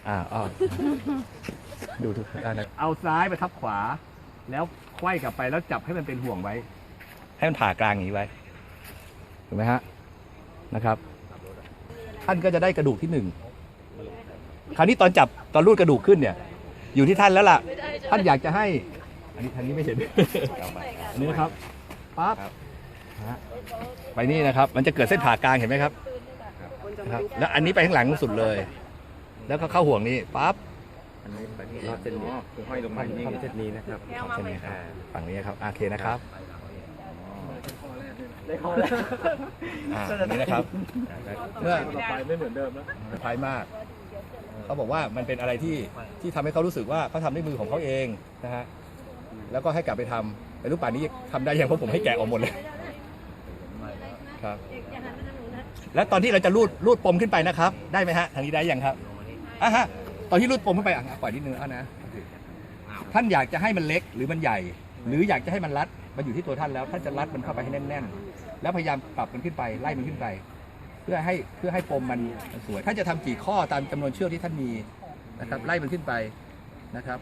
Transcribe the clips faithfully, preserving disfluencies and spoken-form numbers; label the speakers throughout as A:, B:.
A: อ่าอ๋อดูทุกด้านนะเอาซ้ายไปทับขวา แล้วไขว้กลับไปแล้วจับให้มันเป็นห่วงไว้ ให้มันผ่ากลางอย่างนี้ไว้ถูกไหมฮะนะครับ ท่านก็จะได้กระดูกที่หนึ่งคราวนี้ตอนจับตอนรูดกระดูกขึ้นเนี่ย อยู่ที่ท่านแล้วล่ะ ท่านอยากจะให้ อันนี้ทางนี้ไม่เห็น อันนี้นะครับปั๊บฮะไปนี่นะครับ มันจะเกิดเส้นผ่ากลางเห็นไหมครับนะครับแล้วอันนี้ไปข้างหลังสุดเลย แล้วก็เข้าห่วงนี้ปั๊บ
B: อันนี้ไปที่รอบเส้นนี้คือห้อยลงมานี่เส้นนี้นะครับ
A: เส้นนี้ครับฝั่งนี้ครับโอเคนะครับอ่านี่นะครับเมื่อ
B: ต่อไปไม่เหมือนเดิมแล้ว
A: พายมาก เขาบอกว่ามันเป็นอะไรที่ที่ทำให้เขารู้สึกว่าเขาทำด้วยมือของเขาเองนะฮะแล้วก็ให้กลับไปทำแต่รูปป่านนี้ทำได้ยังเพราะผมให้แกะออกหมดเลยครับแล้วตอนที่เราจะรูดรูดปมขึ้นไปนะครับ ได้ไหมฮะทางนี้ได้ยังครับอ่ะฮะตอนที่รูดปมขึ้นไปอ่ะปล่อยนิดนึงอ่ะนะท่านอยากจะให้มันเล็กหรือมันใหญ่ หรืออยากจะให้มันรัดมันอยู่ที่ตัวท่านแล้วท่านจะรัดมันเข้าไปให้แน่นๆแล้วพยายามปรับมันขึ้นไปไล่มันขึ้นไป เพื่อให้เพื่อให้ปมมันสวยท่านจะทำกี่ข้อตามจำนวนเชือกที่ท่านมีนะครับไล่มันขึ้นไปนะครับ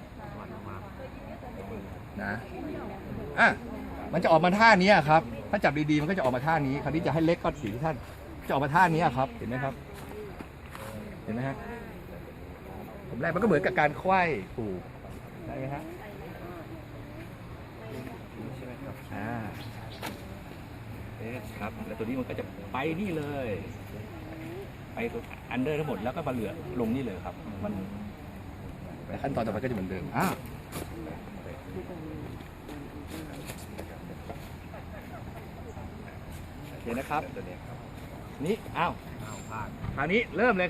A: นะอ่ะมันจะออกมาท่านี้ครับถ้าจับดีๆมันก็จะออกมาท่านี้คราวนี้จะให้เล็กก็สีที่ท่านจะออกมาท่านี้ครับเห็นไหมครับเห็นไหมฮะผมแรกมันก็เหมือนกับการไขว้ผูกได้ไหมฮะใช่ไหมครับอ่าเอ๊ะครับแล้วตัวนี้มันก็จะไปนี่เลยไปตัวอันเดอร์ทั้งหมดแล้วก็มาเหลือลงนี่เลยครับมันขั้นตอนต่อไปก็จะเหมือนเดิมอ่าโอเคนะครับนี่อ้าวคราวนี้เริ่มเลย